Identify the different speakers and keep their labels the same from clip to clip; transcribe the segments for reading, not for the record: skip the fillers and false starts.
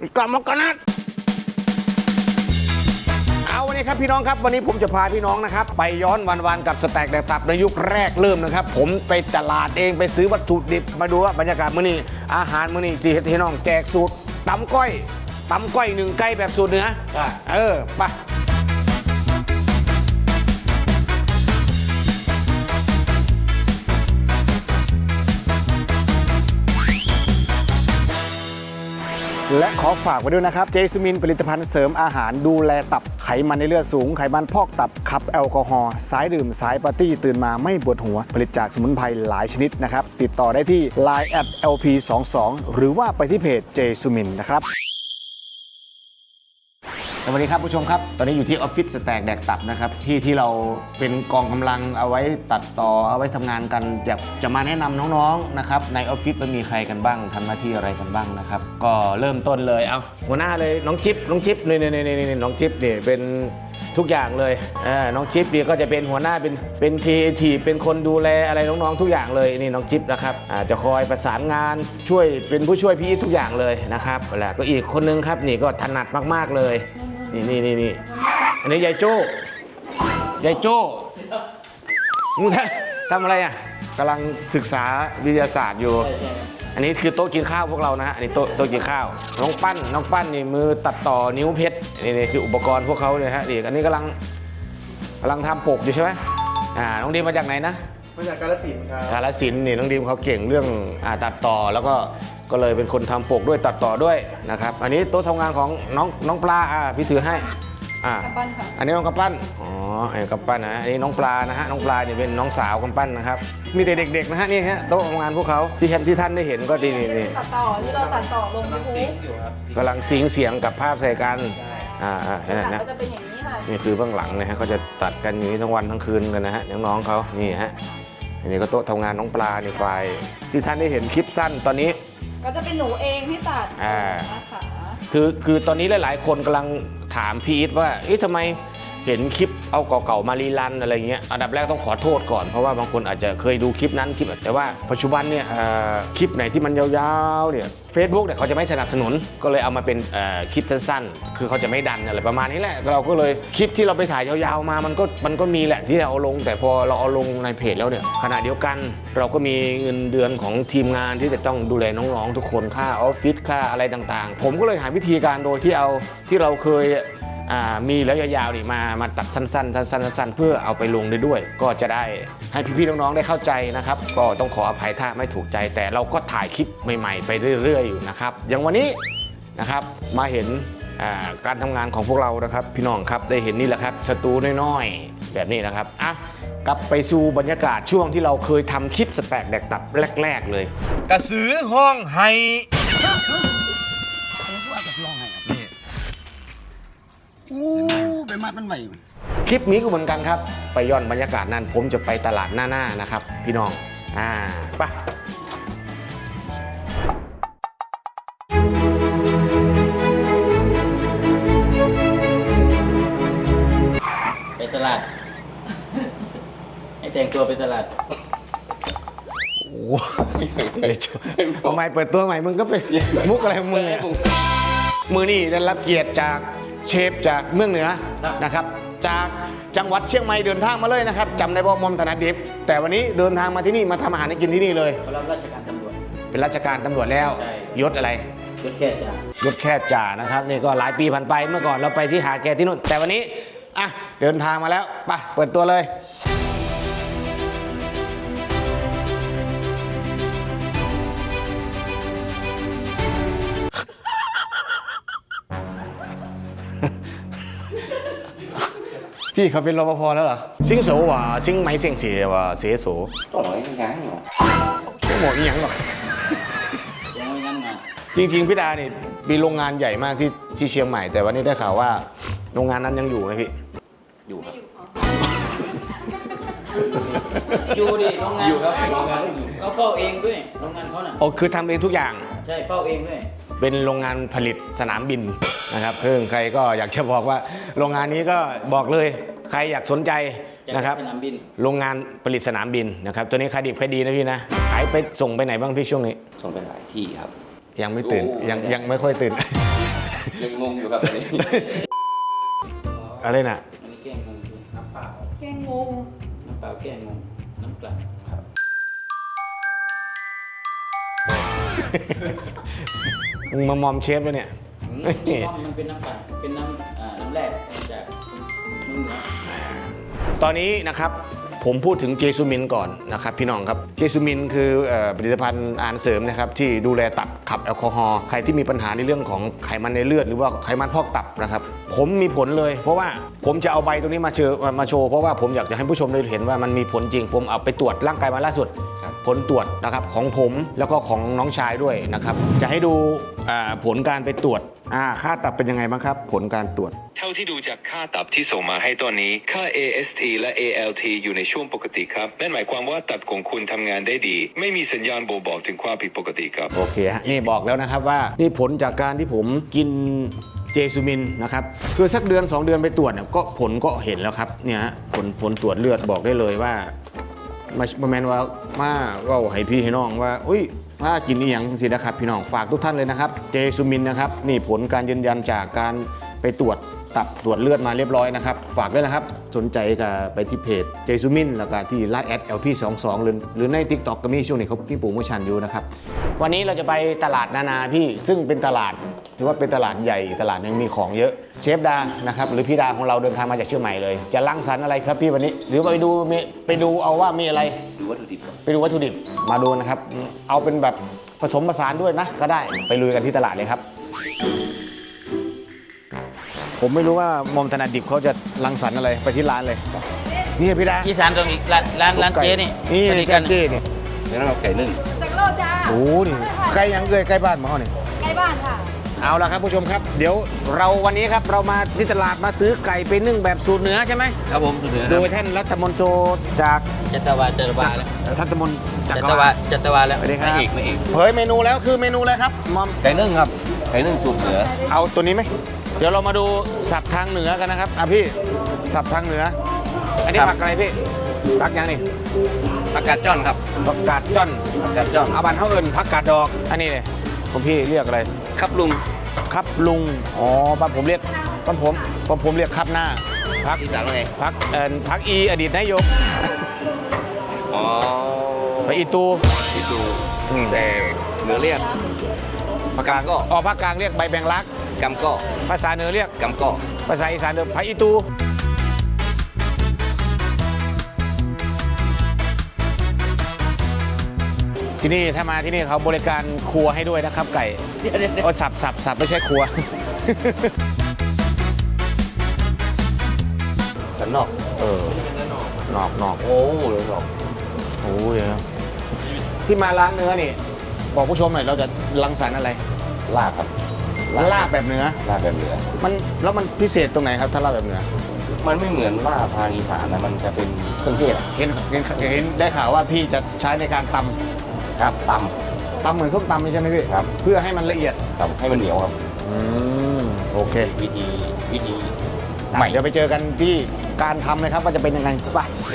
Speaker 1: กลับมากันนะเอาวันนี้ครับพี่น้องครับวันนี้ผมจะพาพี่น้องนะครับไปย้อนวันๆกับสแต็กแดกตับในยุคแรกเริ่มนะครับผมไปตลาดเองไปซื้อวัตถุดิบมาดูว่าบรรยากาศมื้อนี้อาหารมื้อนี้สิเฮ็ดให้น้องแจกสูตรตำก้อย1ไก่แบบสูตรเหนือไปและขอฝากไว้ด้วยนะครับเจสมินผลิตภัณฑ์เสริมอาหารดูแลตับไขมันในเลือดสูงไขมันพอกตับขับแอลกอฮอล์สายดื่มสายปาร์ตี้ตื่นมาไม่ปวดหัวผลิตจากสมุนไพรหลายชนิดนะครับติดต่อได้ที่ Line @lp22 หรือว่าไปที่เพจเจสมินนะครับสวัสดีครับผู้ชมครับตอนนี้อยู่ที่ออฟฟิศสแต็กแดกตับนะครับที่เราเป็นกองกำลังเอาไว้ตัดต่อเอาไว้ทำงานกันอยากจะมาแนะนำน้องๆนะครับในออฟฟิศมันมีใครกันบ้างทำหน้าที่อะไรกันบ้างนะครับก็เริ่มต้นเลยเอาหัวหน้าเลยน้องจิ๊บนี่น้องจิ๊บเนี่ยเป็นทุกอย่างเลยน้องจิ๊บเนี่ยก็จะเป็นหัวหน้าเป็นทีเป็นคนดูแลอะไรน้องๆทุกอย่างเลยนี่น้องจิ๊บนะครับจะคอยประสานงานช่วยเป็นผู้ช่วยพี่ทุกอย่างเลยนะครับแล้วก็อีกคนนึงครับนี่ก็ถนัดมากๆเลยนี่อันนี้ยายโจ้มึงทำอะไรอ่ะกำลังศึกษาวิทยาศาสตร์อยู่อันนี้คือโต๊ะกินข้าวพวกเรานะฮะอันนี้โต๊ะกินข้าวน้องปั้นนี่มือตัดต่อนิ้วเพชรนี่คืออุปกรณ์พวกเขาเลยฮะนี่อันนี้กำลังทำปกอยู่ใช่ไหมน้องดีมมาจากไหนนะ
Speaker 2: มาจากกาฬสินธุ์ครับ
Speaker 1: กาฬสินธุ์นี่น้องดีมเขาเก่งเรื่องตัดต่อแล้วก็เลยเป็นคนทำปกด้วยตัดต่อด้วยนะครับอันนี้โต๊ะทำงานของน้องปลาพี่ถือให้
Speaker 3: กำปั้นค่ะ
Speaker 1: อันนี้น้องกำปั้นอ๋อไอ้กำปั้นนะอันนี้น้องปลานะฮะน้องปลาเนี่ยเป็นน้องสาวกำปั้นนะครับมีแต่เด็กๆนะฮะนี่ฮะโต๊ะทำงานพวกเขาที่ท่านได้เห็นก็ดีนี่
Speaker 3: ตัดต่อที่เราตัดต่อลงยูทูบ
Speaker 1: กำลังซิงเสียงกับภาพใส่กัน
Speaker 3: นะก็จะเป็นอย่างนี้ค่ะ
Speaker 1: นี่คือเบื้องหลังนะฮะเขาจะตัดกันอย่างนี้ทั้งวันทั้งคืนกันนะฮะน้องๆเขานี่ฮะอันนี้ก็โต๊ะทำงานน้องปลาในไฟที่ท่านได้เห็นคลิปสั้นตอนนี้
Speaker 3: ก็จะเป็นหนูเองที่ตัดนะคะ
Speaker 1: คือตอนนี้หลายๆคนกำลังถามพี่อีทว่าทำไมเห็นคลิปเอาเก่าๆมารีรันอะไรเงี้ยอันดับแรกต้องขอโทษก่อนเพราะว่าบางคนอาจจะเคยดูคลิปนั้นแต่ว่าปัจจุบันเนี่ยคลิปไหนที่มันยาวๆเนี่ย Facebook เนี่ยเขาจะไม่สนับสนุนก็เลยเอามาเป็นคลิปสั้นๆคือเขาจะไม่ดันอะไรประมาณนี้แหละเราก็เลยคลิปที่เราไปถ่ายยาวๆมามันก็มีแหละที่เราเอาลงแต่พอเราเอาลงในเพจแล้วเนี่ยขณะเดียวกันเราก็มีเงินเดือนของทีมงานที่จะต้องดูแลน้องๆทุกคนค่าออฟฟิศค่าอะไรต่างๆผมก็เลยหาวิธีการโดยที่เราเคยมีแล้วยาวๆนี่มาตัดสั้นๆเพื่อเอาไปลงได้ด้วยก็จะได้ให้พี่ๆน้องๆได้เข้าใจนะครับก็ต้องขออภัยถ้าไม่ถูกใจแต่เราก็ถ่ายคลิปใหม่ๆไปเรื่อยๆอยู่นะครับอย่างวันนี้นะครับมาเห็นการทำงานของพวกเรานะครับพี่น้องครับได้เห็นนี่แหละครับสตูน้อยๆแบบนี้นะครับกลับไปสู่บรรยากาศช่วงที่เราเคยทำคลิปสแต็กแดกตับแรกๆเลย
Speaker 2: กระสือห้องไห้ไปมัดมันไหว
Speaker 1: คลิปนี้ก็เหมือนกันครับไปย้อนบรรยากาศนั้นผมจะไปตลาดหน้านะครับพี่น้อง
Speaker 4: ไปตลาดให้แต่งตัวไปตลาด
Speaker 1: โอ้ทำไมเปิดตัวใหม่มึงก็ไปมุกอะไรของมึงมือนี่ได้รับเกียรติจากเชฟจากเมืองเหนือนะครับจากจังหวัดเชียงใหม่เดินทางมาเลยนะครับจำได้ว่ามอมถนัดดิบแต่วันนี้เดินทางมาที่นี่มาทำอาหารให้กินที่นี่เลย
Speaker 4: เขารับราชการตำรวจ
Speaker 1: เป็นราชการตำรวจแล้วยศอะไร
Speaker 4: ยศแค่
Speaker 1: จ่านะครับนี่ก็หลายปีผ่านไปเมื่อก่อนเราไปที่หาแกที่นู่นแต่วันนี้เดินทางมาแล้วไปเปิดตัวเลยพี่เขาเป็นรปภแล้วเหรอซิงโสว่ะซิงไหมเสียงเสียว่ะเสียโส
Speaker 4: ต้องหอยยังเหรอ
Speaker 1: ไม่หมดยังหรอกจริงๆพี่ดาเนี่ยมีโรงงานใหญ่มากที่เชียงใหม่แต่วันนี้ได้ข่าวว่าโรงงานนั้นยังอยู่ไหมพี่
Speaker 4: อยู่ครับอยู่ดิโรงงานอยู่ครับโรงงานอยู่เขาเฝ้าเองด้วยโรงงานเขาน่ะ
Speaker 1: คือทำเองทุกอย่าง
Speaker 4: ใช่เฝ้าเองด้วย
Speaker 1: เป็นโรงงานผลิตสนามบินนะครับเพิ่งใครก็อยากจะบอกว่าโรงงานนี้ก็บอกเลยใครอยากสนใจนะครับโรงงานผลิตสนามบินนะครับตัวนี้ขายดิบขายดีนะพี่นะขายไปส่งไปไหนบ้างพี่ช่วงนี้
Speaker 4: ส่งไปหลายที่ครับ
Speaker 1: ยังไม่ตื่น
Speaker 4: โอ้
Speaker 1: ยังไม่ค่อยตื่น
Speaker 4: ยังงงอยู่ครับตอนนี้
Speaker 1: อะไรน่ะ
Speaker 4: อันนี้แกงงงคือน้ำเปล่า
Speaker 3: แกงงู
Speaker 4: น้ำเปล่าแกงงงน้ำเปล่าครับ
Speaker 1: มึงมามอมเชฟแล้วเนี่ย
Speaker 4: มันเป็นน้ำเปล่าเป็นน้ำแร่มาจากนุ่มนะ
Speaker 1: ตอนนี้นะครับผมพูดถึงเจซูมินก่อนนะครับพี่น้องครับเจซูมินคือผลิตภัณฑ์อาหารเสริมนะครับที่ดูแลตับขับแอลกอฮอล์ใครที่มีปัญหาในเรื่องของไขมันในเลือดหรือว่าไขมันพอกตับนะครับผมมีผลเลยเพราะว่าผมจะเอาใบตรงนี้มาโชว์เพราะว่าผมอยากจะให้ผู้ชมได้เห็นว่ามันมีผลจริงผมเอาไปตรวจร่างกายมาล่าสุดผลตรวจนะครับของผมแล้วก็ของน้องชายด้วยนะครับจะให้ดูผลการไปตรวจค่าตับเป็นยังไงบ้างครับผลการตรวจ
Speaker 5: เท่าที่ดูจากค่าตับที่ส่งมาให้ตอนนี้ค่า AST และ ALT อยู่ในช่วงปกติครับนั่นหมายความว่าตับของคุณทำงานได้ดี ไม่มีสัญญาณบ่งบอกถึงความผิดปกติครับ
Speaker 1: โอเคฮะนี่บอกแล้วนะครับว่านี่ผลจากการที่ผมกินเจซูมินนะครับคือสักเดือน 2 เดือนไปตรวจเนี่ยก็ผลก็เห็นแล้วครับเนี่ยฮะผลตรวจเลือดบอกได้เลยว่ามาแมนว่าว่าให้พี่ให้น้องว่าอุ้ยถ้ากินนี่อย่างสินะครับพี่น้องฝากทุกท่านเลยนะครับเจซูมินนะครับนี่ผลการยืนยันจากการไปตรวจตับตรวจเลือดมาเรียบร้อยนะครับฝากด้วยนะครับสนใจก็ไปที่เพจเจซูมินแล้วก็ที่ไลน์ @lp22 หรือใน TikTok ก็มีช่วงนี้เขามีโปรโมชั่นอยู่นะครับวันนี้เราจะไปตลาดนานาพี่ซึ่งเป็นตลาดถือว่าเป็นตลาดใหญ่ตลาดยังมีของเยอะเชฟดานะครับหรือพี่ดาของเราเดินทางมาจากเชียงใหม่เลยจะรังสรรค์อะไรครับพี่วันนี้หรือไปดูเอาว่ามีอะไร
Speaker 4: ดูวัตถุดิบครับ
Speaker 1: ไปดูวัตถุดิบมาดูนะครับเอาเป็นแบบผสมผสานด้วยนะก็ได้ไปลุยกันที่ตลาดเลยครับผมไม่รู้ว่ามอมถนัดดิบเขาจะรังสรรค์อะไรไปที่ร้านเลยนี่พี่ดา
Speaker 4: อีสานตรงอีกร้านเจ๊นี่
Speaker 1: นี่
Speaker 4: สนิท
Speaker 1: เจ๊เจ๊นี่
Speaker 4: แล้วเราไก่นึ่ง
Speaker 3: จากโลจ้า
Speaker 1: โอ้นี่ใกล้ยังใกล้บ้านหมอเนี่ย
Speaker 3: ใกล้บ้านค่ะ
Speaker 1: เอาละครับผู้ชมครับเดี๋ยวเราวันนี้ครับเรามาที่ตลาดมาซื้อไก่ไปนึ่งแบบสูตรเหนือใช่ไหม
Speaker 4: ครับผมสุดเหนือค
Speaker 1: โด
Speaker 4: รับ
Speaker 1: ยท่านรัฐมนตรีจาก
Speaker 4: จัตวาแล้ว
Speaker 1: ท่านรัฐมนตรีจาก
Speaker 4: จัตวาแล้ว
Speaker 1: สวัสดีครับ
Speaker 4: ไม่เอก
Speaker 1: เผยเมนูแล้วคือเมนูอะไรครับมอม
Speaker 4: ไก่นึ่งครับไก่นึ่งสูตรเหนือ
Speaker 1: เอาตัวนี้ไหมเดี๋ยวเรามาดูสับทางเหนือกันนะครับพี่สับทางเหนือ อันนี้ผักอะไรพี่ผักยังนี่
Speaker 4: ผักกาดจ้อนครับ
Speaker 1: ผักกาดจ้อน
Speaker 4: ผักกาดจ้อน
Speaker 1: อาบันเท่าเอิญผักกาดดอกอันนี้เลยคุณพี่เรียกอะไร
Speaker 4: ครับลุง
Speaker 1: ครับลุงอ๋อบ้านผมเรียกบ้านผมเรียกครับหน้าพัก
Speaker 4: อีสานว่าไง
Speaker 1: พักอีอดีตนายก
Speaker 4: อ๋อ
Speaker 1: ไปอีตู
Speaker 4: ที่ดู
Speaker 1: อืม
Speaker 4: แต่เหนือเรียกผักกาดก็
Speaker 1: ภาคกลางเรียกใบแบงลัก
Speaker 4: กำก็
Speaker 1: ภาษาเหนือเรียก
Speaker 4: กำก็
Speaker 1: ภาษาอีสานเรียกพักอีตูที่นี่ถ้ามาที่นี่เขาบริการครัวให้ด้วยนะครับไก่โอ้สับไม่ใช่ครัว
Speaker 4: สันนอก
Speaker 1: นอก
Speaker 4: โอ้เลยบอก
Speaker 1: โอ้ยที่มาร้านเนื้อนี่บอกผู้ชมหน่อยเราจะรังสรรค์อะไร
Speaker 4: ลาบครับ
Speaker 1: ลาบแบบเนื้อ
Speaker 4: ลาบแบบเหนือ
Speaker 1: แล้วมันพิเศษตรงไหนครับถ้าลาบแบบเนื้อ
Speaker 4: มันไม่เหมือนลาบทางอีสานนะมันจะเป็นเครื่องเทศอะ
Speaker 1: เห็นได้ข่าวว่าพี่จะใช้ในการต
Speaker 4: ครับต
Speaker 1: ำเหมือนส้มตำใช่ไหมพี่
Speaker 4: ครับ
Speaker 1: เพื่อให้มันละเอียด
Speaker 4: ำตำให้มันเหนียวครับ
Speaker 1: โอเค
Speaker 4: วิธี
Speaker 1: ใหม่เดี๋ยวไปเจอกันที่การทำเลยครับว่าจะเป็นยังไงไป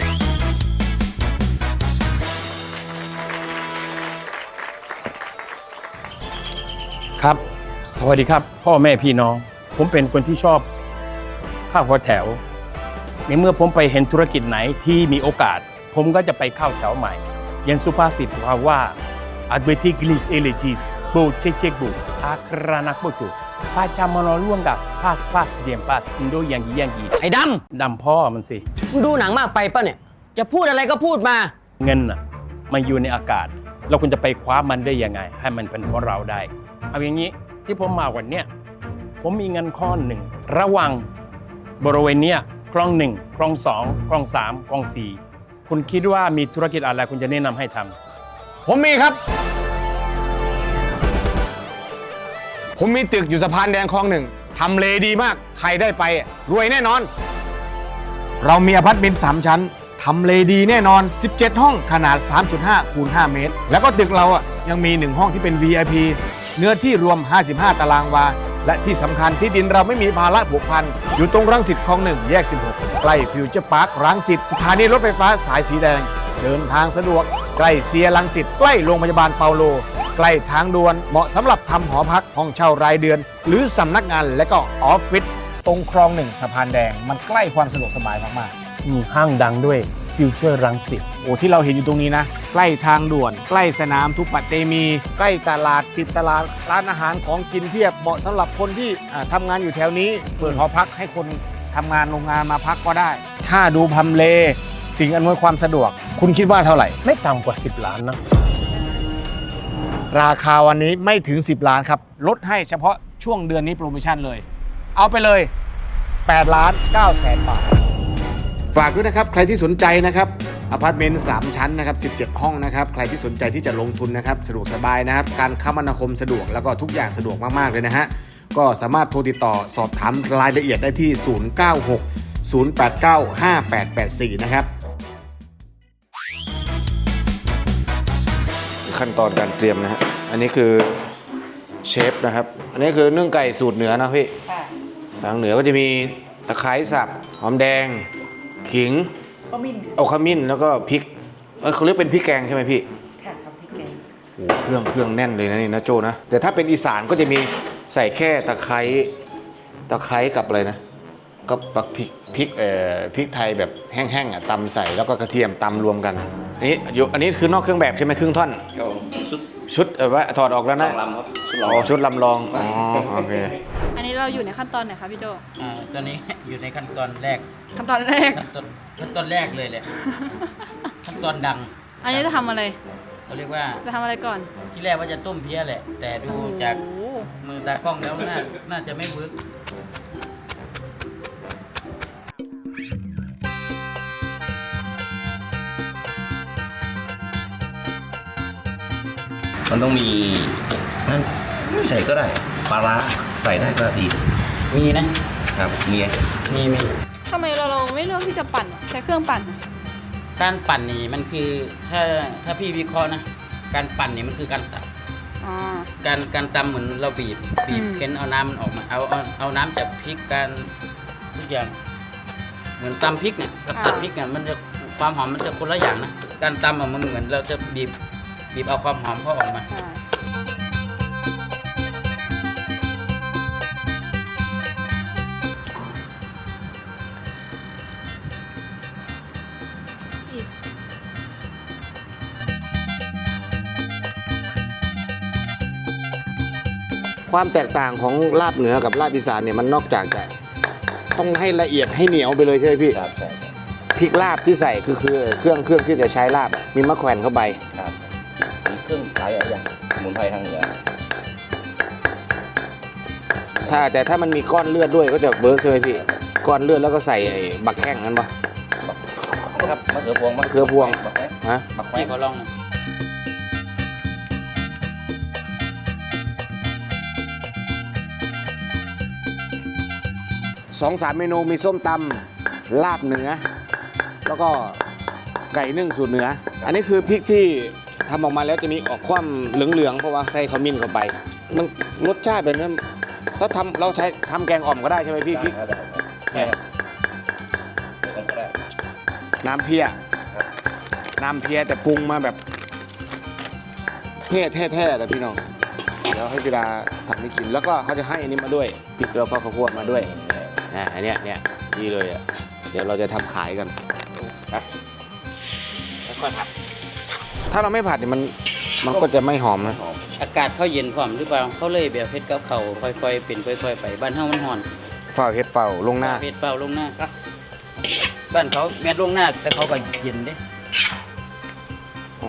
Speaker 6: ครับ สวัสดีครับ พ่อแม่พี่น้อง ผมเป็นคนที่ชอบข้าวหัวแถว ในเมื่อผมไปเห็นธุรกิจไหนที่มีโอกาส ผมก็จะไปเข้าแถวใหม่อยังสุภาษิตว่า advertiglis elegis bo cecek bo akranak bojo pacamonolongas pas pas diem pas indo yang
Speaker 7: ไอ้ด
Speaker 6: ดำพ่อมันสิ
Speaker 7: ำมึงดูหนังมากไปป่ะเนี่ย จะพูดอะไรก็พูดมา
Speaker 6: เงินน่ะมันอยู่ในอากาศ เราควรจะไปคว้ามันได้ยังไง ให้มันเป็นของเราได้ เอาอย่างนี้ที่ผมมาวันเนี้ยผมมีเงินข้อหนึ่งระหว่างบริเวณเนี้ยคลองหนึ่งคลองสองคลองสามคลองสี่คุณคิดว่ามีธุรกิจอะไรคุณจะแนะนำให้ทำ
Speaker 1: ผมมีครับ ผมมีตึกอยู่สะพานแดงคลองหนึ่งทำเลดีมากใครได้ไปรวยแน่นอน เรามีอพาร์ตเมนต์3ชั้นทำเลดีแน่นอน 17 ห้องขนาด 3.5 คูณ 5 เมตร แล้วก็ตึกเรายังมี1ห้องที่เป็น VIP เนื้อที่รวม 55 ตารางวา และที่สำคัญที่ดินเราไม่มีภาระผูกพันอยู่ตรงรังสิตคลอง1แยก 16 ใกล้ฟิวเจอร์พาร์ครังสิตสถานีรถไฟฟ้าสายสีแดง เดินทางสะดวกใกล้เซียรังสิตใกล้โรงพยาบาลเปาโล
Speaker 8: ใกล้ทางด่วนเหมาะสำหรับทำหอพักห้องเช่ารายเดือน หรือสำนักงานและก็ออฟฟิศตรงคลองหนึ่งสะพานแดง มันใกล้ความสะดวกสบายมากๆ
Speaker 6: ห้างดังด้วยฟิวเจอร์รังสิต
Speaker 8: โอ้ที่เราเห็นอยู่ตรงนี้นะ ใกล้ทางด่วน ใกล้สนามทุปเตมี ใกล้ตลาดติดตลาดร้านอาหารของกินเพียบเหมาะสำหรับคนที่ทำงานอยู่แถวนี้เปิดหอพักให้คนทำงานโรงงานมาพักก็ได้ ถ้าดูพำเล สิ่งอำนวยความสะดวก คุณคิดว่าเท่าไหร่
Speaker 6: ไม่ต่ำกว่า 10 ล้านนะ
Speaker 8: ราคาวันนี้ไม่ถึง 10 ล้านครับ ลดให้เฉพาะช่วงเดือนนี้โปรโมชั่นเลย เอาไปเลย8 ล้าน9แสนบาท ฝากด้วยนะครับ ใครที่สนใจนะครับอพาร์ตเมนต์3ชั้นนะครับ17 ห้องนะครับใครที่สนใจที่จะลงทุนนะครับสะดวกสบายนะครับ การคมนาคมสะดวกแล้วก็ทุกอย่างสะดวกมากๆเลยนะฮะก็สามารถโทรติดต่อสอบถามรายละเอียดได้ที่ 096 089 5884 นะครับขั้นตอนการเตรียมนะฮะอันนี้คือเชฟนะครับอันนี้คือนึ่งไก่สูตรเหนือนะพี่ทางเหนือก็จะมีตะไคร้สับหอมแดงขิงเอาขมิ้นแล้วก็พริกเขาเรียกเป็นพริกแกงใช่ไหมพี่ค่ะครับพริกแกงโอ้เครื่องแน่นเลยนะนี่นะโจนะแต่ถ้าเป็นอีสานก็จะมีใส่แค่ตะไคร้กับอะไรนะก็ปักพริกไทยแบบแห้งๆอ่ะตำใส่แล้วก็กระเทียมตำรวมกันอันนี้คือนอกเครื่องแบบใช่ไหมครึ่งท่อนชุดว่าถอดออกแล้วนะชุดลำลองอ๋อโอเค
Speaker 3: อันนี้เราอยู่ในขั้นตอนไหนคะพี่โจ
Speaker 4: ตอนนี้อยู่ในขั้นตอนแรก
Speaker 3: ขั้นตอนแรก
Speaker 4: ขั้นตอนแรกเลยแหละ ขั้นตอนดัง
Speaker 3: อันนี้จะทำอะไร
Speaker 4: เขาเรียกว่า
Speaker 3: จะทำอะไรก่อน
Speaker 4: ที่แรกว่าจะต้มเพี้ยแหละ แต่ดูจาก
Speaker 3: โอ้โห
Speaker 4: มือตากล้องแล้วน่าจะไม่เวิร์ก
Speaker 9: มันต้องมีนั่นไม่ใส่ก็ได้ปลาร้าใส่ได้ก็ดี
Speaker 4: มีนะครับ
Speaker 9: มี
Speaker 4: มี
Speaker 3: ทำไมเราไม่เลือกที่จะปั่นใช้เครื่องปั่น
Speaker 4: การปั่นนี่มันคือถ้าพี่วิเคราะห์นะการปั่นนี่มันคือการตัด
Speaker 3: อ๋อ
Speaker 4: การตำเหมือนเราบีบ
Speaker 3: อืม
Speaker 4: เค้นเอาน้ำมันออกมาเอาน้ำจากพริกการทุกอย่างเหมือนตำพริกเนี่ยกับตัดพริกเนี่ยมันจะความหอมมันจะคนละอย่างนะการตำอะมันเหมือนเราจะบีบเอาความหอมเขาออกมา
Speaker 3: ใช่อีก
Speaker 8: ความแตกต่างของลาบเหนือกับลาบอีสานเนี่ยมันนอกจากจะต้องให้ละเอียดให้เหนียวไปเลยใช่ไหมพี่
Speaker 9: ครับใช่
Speaker 8: พริกลาบที่ใส่คือเครื่องที่จะใช้ลาบมีมะแขวนเข้าไป
Speaker 9: ครับมีเครื่องหลายอย่างสมุนไพรทางเหนือ
Speaker 8: แต่ถ้ามันมีก้อนเลือดด้วยก็จะเบิร์กใช่ไหมพี่ก้อนเลือดแล้วก็ใส่ไอ้บักแข้งนั้นปะ
Speaker 9: นะครับมะเขือพวง
Speaker 8: มะเขือพวง
Speaker 9: มะแขวน
Speaker 8: ฮะ
Speaker 9: มะแขว
Speaker 4: ให้
Speaker 9: น
Speaker 4: เขาลองหน่อย
Speaker 8: 2-3 เมนูมีส้มตำลาบเหนือ แล้วก็ไก่นึ่งสูตรเหนือ อันนี้คือพริกที่ทำออกมาแล้วจะมีออกความเหลืองๆเพราะว่าใส่ขมิ้นเข้าไป มันรสชาติแบบนั้นถ้าเราใช้ทำแกงอ่อมก็ได้ใช่ไหมพี่พริก
Speaker 9: ได้
Speaker 8: เนี่ย
Speaker 9: ได้
Speaker 8: น้ำเพี้ยแต่ปรุงมาแบบแท้ๆนะพี่น้องเดี๋ยวให้เวลาทำให้กินแล้วก็เขาจะให้อันนี้มาด้วยพริกแล้วก็ข้าวโพดมาด้วยอันเนี้ยดีเลยอ่ะเดี๋ยวเราจะทำขายกันถ้าเราไม่ผัดเนี่ยมันก็จะไม่หอมนะ
Speaker 4: อากาศเขาเย็นพร้อมหรือเปล่าเขาเลยแบบเฮ็ดกับเขาค่อยๆเป็นค่อยๆไปบ้านเฮามันร้อน
Speaker 8: เฝ้าเฮ็ดเฝ้าลงหน้า
Speaker 4: เฮ็ดเฝ้าลงหน้าบ้านเขาแม่นลงหน้าแต่เขาก็เย็นเด้
Speaker 8: อ๋อ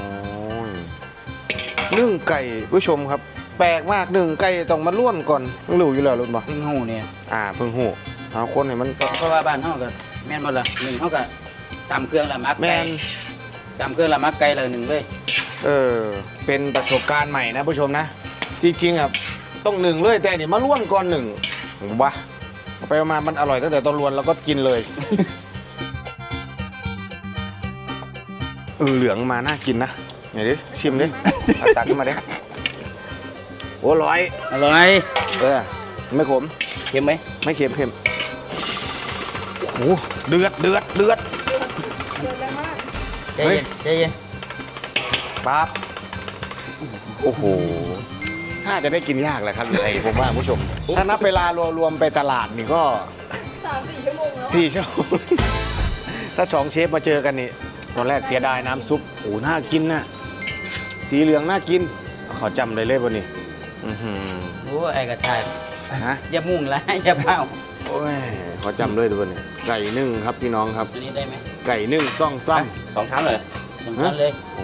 Speaker 8: นึ่งไก่ผู้ชมครับ แปลกมากนึ่งไก่ต้องมาล้วนก่อนเพิ่งรู้อยู่แล้วรู้ป่ะ
Speaker 4: เพิ่งหูเนี่ย
Speaker 8: เพิ่งหูเอาคนให้มัน
Speaker 4: เพราะว่าบ้านเฮาก็แม่นบ่ล่ะหนึ่งเฮาก็ตำเครื่องละมัก
Speaker 8: แม
Speaker 4: ไก่
Speaker 8: น
Speaker 4: ตำเครื่องละมักไก่ละหนึ่งเลย
Speaker 8: เป็นประสบการณ์ใหม่นะผู้ชมนะ จริงๆอ่ะต้องหนึ่งเลยแต่นี่มาล้วนก่อนหนึ่งวะเอาไปมามันอร่อยตั้งแต่ตอนล้วนแล้วก็กินเลย เหลืองมาน่ากินนะไหนดิชิมดิเอาตักขึ้นมาดิโอ้100
Speaker 4: อร่อย
Speaker 8: ไม่ขม
Speaker 4: เค็มไหม
Speaker 8: ไม่เค็มโอ้เดือด
Speaker 4: ใจเย็น
Speaker 8: ปั๊บ
Speaker 1: โอ้โหน่าจะได้กินยากแหละครับไอ้ผมว่าผู้ชม ถ้านับเวลารวมๆไปตลาดนี่ก็
Speaker 3: 3-4 ชั่วโมงแล้ว
Speaker 1: 4 ชั่วโมง ถ้า2 เชฟมาเจอกันนี่ตอนแรกเสียดายน้ำซุปโอ้น่ากินนะสีเหลืองน่ากินขอจำเลยวันนี้อื้อหือ
Speaker 4: โอ้ไอ้กระชาย
Speaker 1: ฮะ
Speaker 4: อย่ามุ่งละ อย่าเผา
Speaker 1: โอ้ยขอจำด้วยวันนี้ไก่นึ่งครับพี่น้องครับ
Speaker 4: อันนี้ได้ไหม
Speaker 1: ไก่นึ่งซ่องซ้
Speaker 9: 2 ชั้นเลย
Speaker 4: สำคัญเลย
Speaker 1: ำโอ้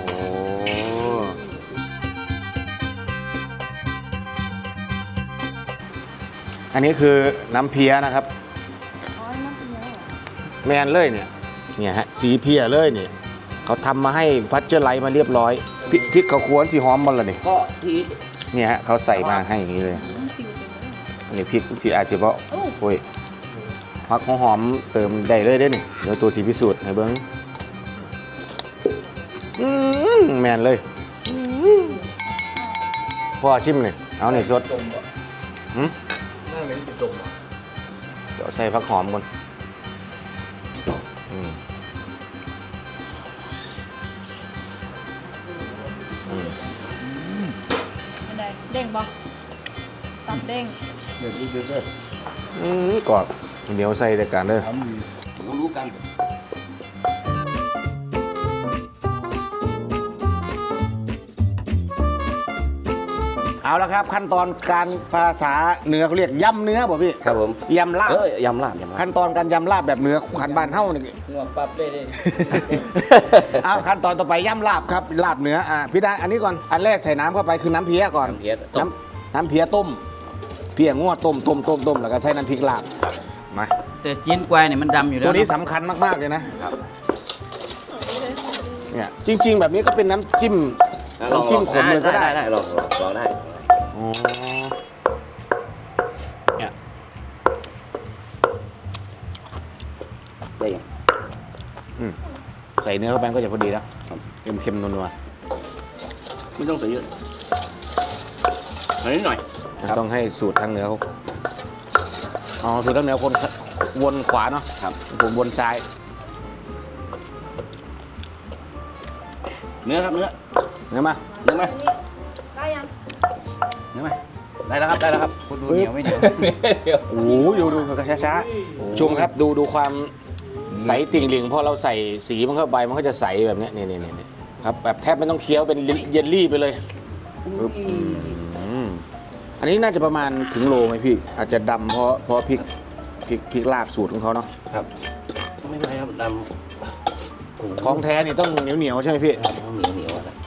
Speaker 1: อันนี้คือน้ำเพี้ยนะครับ
Speaker 3: อ๋อน้ำเป็นเยอะเหรอ
Speaker 1: แมนเลยเนี่ยฮะสีเพียเลยเนี่ยเขาทำมาให้พัชเจอร์ไลท์มาเรียบร้อยพริกเขาควรสีหอมหมดเลยนี่
Speaker 4: ก็ที่
Speaker 1: เนี่ยฮะเขาใส่มาให้อย่างนี้เลย
Speaker 3: ฟิวเต็มเลย
Speaker 1: อันนี้พริกสีอาจจะเพราะ
Speaker 3: อู้
Speaker 1: โอ้ยพักหอมๆเติมได้เลยได้อนี่เดี๋ยวตัวสีพิสูจน์ให้เบิ้งแมนเลยพ่อชิมเลยเอาหน่อยสดหืม
Speaker 2: นั่งเล่นกินดม
Speaker 1: เดี๋ยวใส่พักหอมก่อนอืม
Speaker 3: เป็นไงเด้งปะตับเด้ง
Speaker 2: เดี๋ยวดูด้วย
Speaker 1: กรอบเหนียวใส่ในการเด้อ
Speaker 2: ทำดี
Speaker 4: รู้กัน
Speaker 1: เอาละครับขั้นตอนการภาษาเหนือเขาเรียกยำเนื้อป่ะพี่
Speaker 9: ครับผม
Speaker 1: ยำลาบ
Speaker 9: ยำลาบยำลาบ
Speaker 1: ขั้นตอนการยำลาบแบบเหนือขันบ้านเฮ้านี่
Speaker 4: หนวดปรับเลยเลย
Speaker 1: เอาขั้นตอนต่อไปยำลาบครับลาบเหนือพี่ได้อันนี้ก่อนอันแรกใส่น้ำเข้าไปคือน้ำเพี้ยก่อน
Speaker 9: น้ำเพี้ยต้ม
Speaker 1: น้ำเพี้ยต้มเพี้ยงวดต้มแล้วก็ใส่น้ำพริกลาบมา
Speaker 4: แต่จีนกวายเนี่ยมันดำอยู่แล้ว
Speaker 1: ตัวนี้สำคัญมากๆเลยนะเนี่ยจริง ๆ แบบนี้ก็เป็นน้ำจิ้มขมเลยก็ได้
Speaker 9: ได้ลองได้
Speaker 1: อ๋อ
Speaker 9: เนี่ยได้ยัง
Speaker 1: ใส่เนื้อเข้าไปก็จะพอดีแล้วเค็มๆนัว
Speaker 9: ไม่ต้องใส่เยอะนิดหน่อย
Speaker 1: ๆต้องให้สูตรทางเหนือเขาอ๋อสูตรทางเหนือคนวนขวาเนาะ
Speaker 9: ครับ
Speaker 1: ผมวนซ้าย
Speaker 9: เนื้อครับเนื้อ
Speaker 1: เนื้อมา
Speaker 9: เนื้อไหม
Speaker 3: อันนี้ได้ยัง
Speaker 9: เนื้อไหมได้แล้วครับได้แล้วครับ
Speaker 4: คุณดูเหนียวไม่เหนียว
Speaker 1: โอ้โหดูช้าๆชมครับดูความใสติ่งหลิงพอเราใส่สีมันเข้าไปมันก็จะใสแบบเนี้ยนี่ครับแบบแทบไม่ต้องเคี้ยวเป็นเยลลี่ไปเลยปึ๊บอันนี้น่าจะประมาณถึงโลไหมพี่ อาจจะดำเพราะพริกลาบสูตรของเขาเนาะ
Speaker 9: ครับไม่เป็นไรครับดำ
Speaker 1: ของแท้นี่ต้องเหนียวๆใช่ไหมพี่
Speaker 9: เหนียวครับ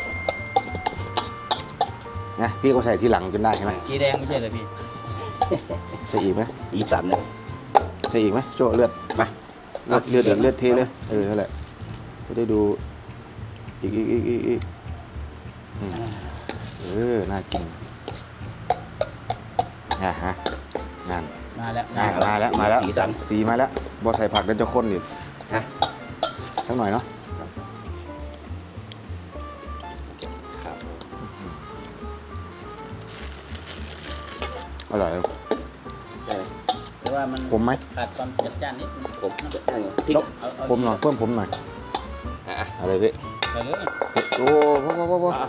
Speaker 1: นะพี่ก็ใส่ทีหลังจนได้ใช่ไหม
Speaker 4: สีแดงไม่ใช่เหรอพี่
Speaker 1: ใส่อีกไหม
Speaker 9: สีสันเนี่ย
Speaker 1: ใส่อีกไหมโจ้เลือด
Speaker 9: มา
Speaker 1: เลือดเลือดเทเลยนั่นแหละจะได้ดูอีกน่ากินฮะนั่น
Speaker 4: มาแล้ว
Speaker 1: มาแล้ว
Speaker 9: สีสัน
Speaker 1: สีมาแล้วบอใส่ผักแล้วจะข้นอีก
Speaker 9: ฮะ
Speaker 1: สักหน่อยเนาะ
Speaker 9: ครับ
Speaker 1: อร่อย
Speaker 9: ได้ไหม
Speaker 4: แต่ว่ามัน
Speaker 1: ขมไหม
Speaker 4: ขาดความจัดจ้านนิดนึง
Speaker 9: ผมได้ไงพริก
Speaker 1: แล้วขมหน่อยเพิ่มผมหน่อย
Speaker 9: อ่ะ
Speaker 1: อะไรพี่
Speaker 4: ใส่เลย
Speaker 1: โอ้พอ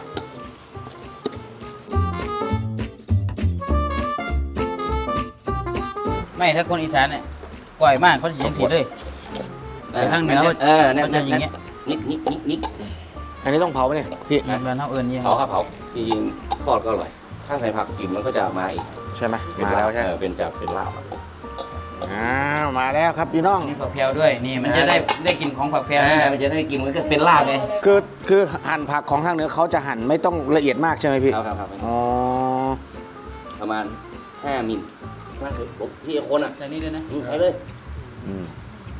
Speaker 4: ไม่ถ้าคนอีสานเนี่ยก่อยมากเขาจะยังสีเลยแต่ทางเหนือเขา
Speaker 9: เนี่ย
Speaker 4: จะอย่างเงี้ย
Speaker 9: นิก
Speaker 1: อันนี้ต้องเผาไหมเนี่ยพี่
Speaker 4: มันเท่าเอิญยัง
Speaker 9: เผาครับเผาจริงๆทอดก็อร่อย ถ้าใส่ผักกลิ่นมันก็จะมาอีก
Speaker 1: ใช่ไหม
Speaker 9: เป็น
Speaker 1: มาแล้วใช่ไหม
Speaker 9: เป็นลาบอะ
Speaker 1: อ้าวมาแล้วครับพี่น้อง
Speaker 4: นี่ผักแพรวด้วยนี่มันจะได้กลินของผักแพรวนี่แหละ
Speaker 9: มันจะได้กินมันก็เป็นลาบไง
Speaker 1: คือหั่นผักของทางเหนือเขาจะหั่นไม่ต้องละเอียดมากใช่ไหมพี่
Speaker 9: ครับ
Speaker 1: อ๋อ
Speaker 9: ประมาณ5 มิลมากเลยผมพี่คนอ่ะ
Speaker 4: ใส่นี่ด้วยนะ
Speaker 9: ไปเลย
Speaker 1: อืม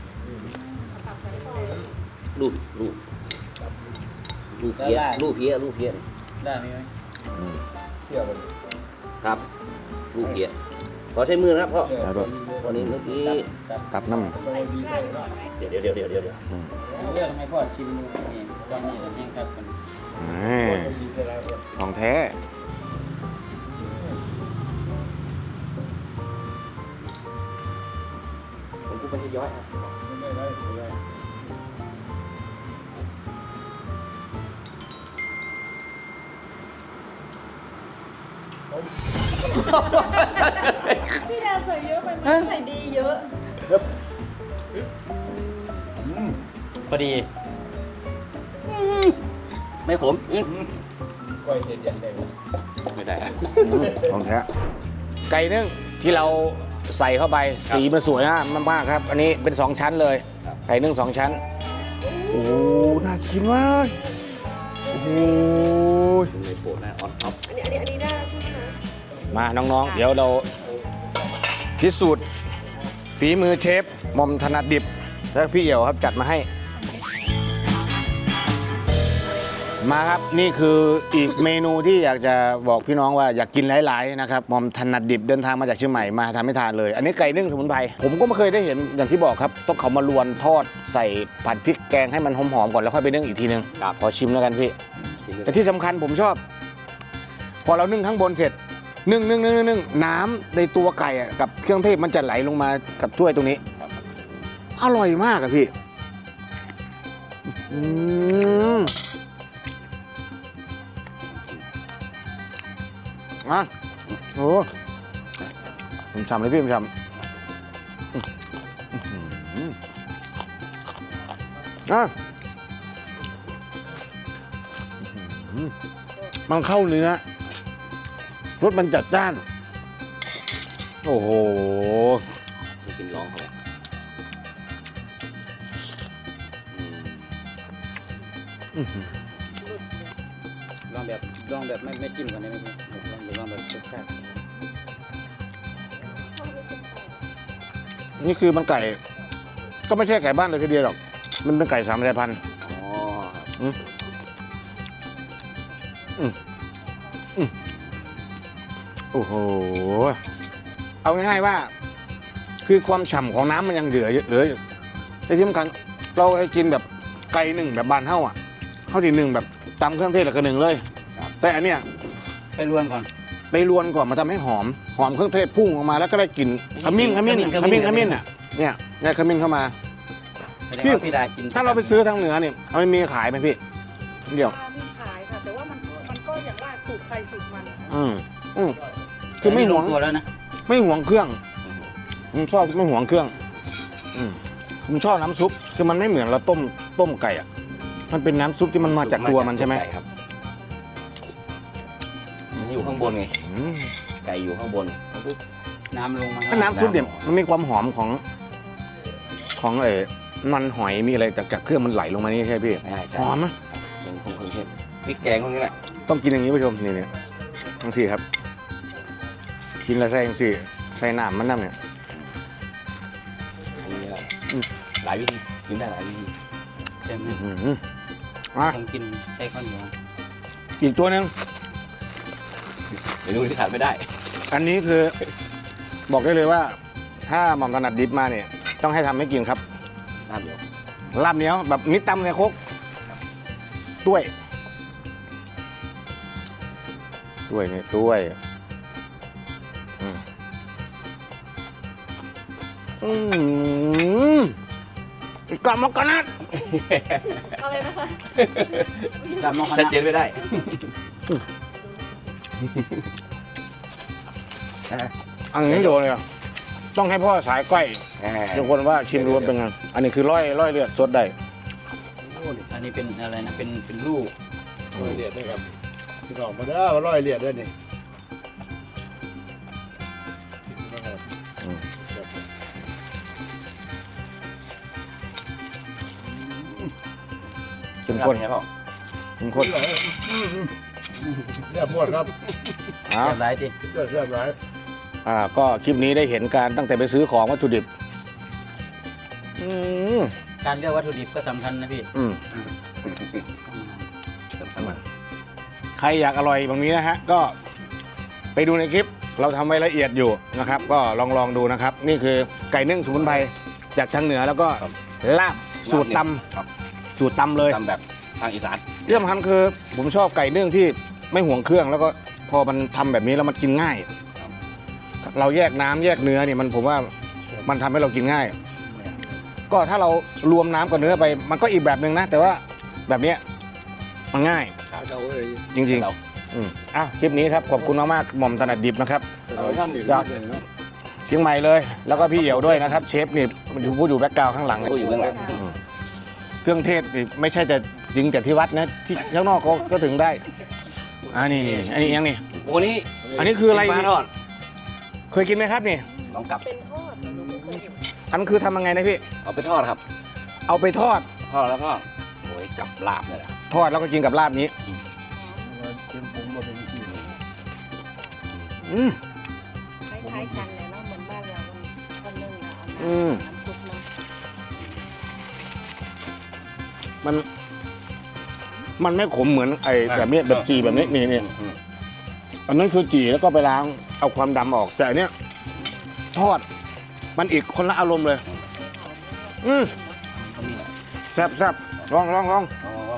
Speaker 9: รูปเพี้ยรูปเพี้ย
Speaker 4: ได้ไหม
Speaker 9: ครับรูปเพี้ยขอใช้มือนะครับพ่อ
Speaker 1: แล้วด้วย
Speaker 9: วันนี้เมื่อกี้
Speaker 1: ตับน้ำ
Speaker 9: เดี๋ยว
Speaker 4: เรื่องให้พ่อชิมดูนี่ตอนนี้เราแห้งครับกัน
Speaker 1: ของแท้
Speaker 9: ผมพูดมันจะย้อยครับ
Speaker 3: พี่ดาใส่เยอะไปไหมใส่ดีเยอะ
Speaker 4: พอดีไม่ขม
Speaker 2: ก้อยเห็ดยันได้ไหม
Speaker 4: ไม่ได้
Speaker 8: ของแท้ไก่นึ่งที่เราใส่เข้าไปสีมันสวยมากๆครับ อันนี้เป็น 2 ชั้นเลย ไก่นึ่ง2 ชั้น โอ้โหน่ากินมากโอ้โห
Speaker 9: ในโปรดนะออนท็อป
Speaker 3: อันนี้ได้ใช่ไหมคะ
Speaker 8: มาน้องๆ เดี๋ยวเราพิสูจน์ฝีมือเชฟหม่อมถนัดดิบ แล้วพี่เอี่ยวครับจัดมาให้ มาครับนี่คืออีกเมนูที่อยากจะบอกพี่น้องว่าอยากกินหลายๆนะครับหม่อมถนัดดิบเดินทางมาจากเชียงใหม่มาทำให้ทานเลย อันนี้ไก่นึ่งสมุนไพรผมก็ไม่เคยได้เห็นอย่างที่บอกครับต้องเขามาลวนทอดใส่ผัดพริกแกงให้มันหอมๆก่อนแล้วค่อยไปนึ่งอีกทีนึงขอชิมแล้วกันพี่แต่ที่สำคัญผมชอบ พอเรานึ่งข้างบนเสร็จนึ่งน้ำในตัวไก่อะกับเครื่องเทศมันจะไหลลงมากับถ้วยตรงนี้อร่อยมากอะพี่โอ้ผมชำเลยพี่ผมชำมันเข้าเนื้อรสมันจัดจ้าน โอ้โห
Speaker 9: กินร้องเขาเลย
Speaker 4: ลองแบบไม่จิ้มกันได้ไหมพี่ลองแบบรสชาติ
Speaker 8: นี่คือมันไก่ ก็ไม่ใช่ไก่บ้านเลยทีเดียวหรอก มันเป็นไก่3 สายพันธุ์
Speaker 9: อ๋อครับ
Speaker 8: โอ้โห เอาง่ายๆว่า คือความฉ่ำของน้ำมันยังเหลืออยู่แต่ที่สำคัญเราให้กินแบบไก่หนึ่งแบบบานเท่าอ่ะเท่าที่หนึ่งแบบตำเครื่องเทศแล้วก็หนึ่งเลย แต่อันเนี้ย
Speaker 4: ไปรวนก่อน
Speaker 8: ไปรวนก่อนมาทำให้หอมเครื่องเทศพุ่งออกมาแล้วก็ได้กลิ่นขมิ้นอ่ะเนี่ยได้ขมิ้นเข้ามา พี่
Speaker 4: พี่ดากิน
Speaker 8: ถ้าเราไปซื้อทางเหนือเนี่ยเอามันมีขายไหมพี่เดี๋ยว
Speaker 3: มีขายค่ะ แต่ว่ามันก็อย่างว่าสูตรใครสูตรมัน
Speaker 8: คือไม่หวง
Speaker 4: ตัวแล้วนะ
Speaker 8: ไม่หวงเครื่องผมชอบไม่หวงเครื่องผมชอบน้ำซุปคือมันไม่เหมือนเราต้มไก่อ่ะมันเป็นน้ำซุปที่มันมาจากตัวมันใช่ไหม
Speaker 9: ไก่ครับมันอยู่ข้างบนไงไก่อยู่ข้างบน
Speaker 4: น้ำลงมา
Speaker 8: ถ้าน้ำซุปเนี่ยมันมีความหอมของมันหอยมีอะไรจากเครื่องมันไหลลงมานี่ใช่พี่
Speaker 9: ใช่ใช่
Speaker 8: หอมไหม
Speaker 9: เป็นคงเครื่องเทศพริกแกงพวกนี้แหละ
Speaker 8: ต้องกินอย่างนี้ผู้ชมนี่ทั้งสี่ครับ กินแล้วใส่ทั้งสี่ใส่น้ำมันน้ำเนี่ย
Speaker 9: อันนี้แหละหลายวิธีกินได้หลายวิธี
Speaker 4: ใช่ไหม
Speaker 8: อ่ะ
Speaker 4: ต้องกินใช้ข้าวเหนียว
Speaker 8: อีกตัวหนึ่ง
Speaker 9: เมนูที่ขาดไม่ได้
Speaker 8: อันนี้คือบอกได้เลยว่า ถ้าหม่อมถนัดดิบมาเนี่ยต้องให้ทำให้กินครับ
Speaker 9: น้ำเดียว
Speaker 8: ลาบเหนียวแบบนิดตำใส่ครกด้วยนี่ด้วยกลับมากันนะ
Speaker 3: อะไรนะคะ
Speaker 4: ตามน้องค
Speaker 9: ชัด
Speaker 4: ณะ
Speaker 9: เจนไม่ได้
Speaker 8: อันนี้โดนเลยอะต้องให้พ่อสายก้อยทุกคนว่าชิมดูว่าเป็นไงอันนี้คือร้อยเลือดสดได้
Speaker 4: อันนี้เป็นอะไรนะเป็นลูก
Speaker 2: ร้อยเหรียญด้วยครับพี่น้องมาเด้อมาร้อยเหรียญด้วยนี่
Speaker 8: เข้มข้น
Speaker 9: ไงพ่อ
Speaker 8: เข้มข้น
Speaker 2: เรียบหมดครับ
Speaker 8: อ่ะ
Speaker 4: เรียบร้อยดิ
Speaker 2: เรียบร้อย
Speaker 8: ก็คลิปนี้ได้เห็นการตั้งแต่ไปซื้อของวัตถุดิบ
Speaker 4: การเลือกวัตถุดิบก็สำคัญนะพี่
Speaker 9: สำคัญมาก
Speaker 8: ใครอยากอร่อยแบบนี้นะฮะ ก็ไปดูในคลิปเราทำไว้ละเอียดอยู่นะครับ ก็ลองดูนะครับ นี่คือไก่นึ่งสมุนไพรจากทางเหนือแล้วก็ลาบสูตรต
Speaker 9: ครับ
Speaker 8: ำสูตรตำเลย
Speaker 9: ทำแบบทางอีสาน
Speaker 8: ที่สำคัญคือผมชอบไก่นึ่งที่ไม่ห่วงเครื่อง แล้วก็พอมันทำแบบนี้แล้วมันกินง่าย เราแยกน้ำแยกเนื้อเนี่ยผมว่ามันทำให้เรากินง่าย ก็ถ้าเรารวมน้ำกับเนื้อไปมันก็อีกแบบหนึ่งนะ แต่ว่าแบบเนี้ยมันง่าย
Speaker 2: เอาเลย
Speaker 8: จริง
Speaker 9: เรา
Speaker 8: ๆคลิปนี้ครับขอบคุณมากๆหม่อมถนัดดิบนะครับ
Speaker 9: ค
Speaker 2: ท่านอีก
Speaker 8: จากเชียงใหม่เลย แล้วก็พี่เหี่ยวด้วยนะครับ เชฟนี่มันอยู่ผู้อยู่แบ็คกราวด์ข้างหลัง
Speaker 9: ผู้อยู่เบื้องหลัง
Speaker 8: เครื่องเทศนี่ไม่ใช่แต่จริงแต่ที่วัดนะที่ข้างนอกก็ถึงได้นี่อันนี้ยังนี่
Speaker 9: โอ้นี่
Speaker 8: อันนี้คืออะไร
Speaker 9: ปลาทอด
Speaker 8: เคยกินไหมครับนี่
Speaker 9: ลองกลับ
Speaker 8: อันคือทำยังไงนะพี่
Speaker 9: เอาไปทอดครับ
Speaker 8: เอาไปทอด
Speaker 9: ทอดแล้วก็โอ้ยกับลาบเลยล่ะ
Speaker 8: ทอดแล้วก็กินกับลาบนี้อืม
Speaker 3: คล้ายๆกันเลยเนาะเหมือนบ้านเราคนนึงเราเอา
Speaker 8: อืม
Speaker 3: น้ำซุปมา
Speaker 8: มันไม่ขมเหมือนไอ้แบบนี้แบบจีแบบนี้นี่อันนั้นคือจีแล้วก็ไปล้างเอาความดำออกแต่อันเนี้ยทอดมันอีกคนละอารมณ์เลย อืมแซ่บลอง
Speaker 9: อ๋อ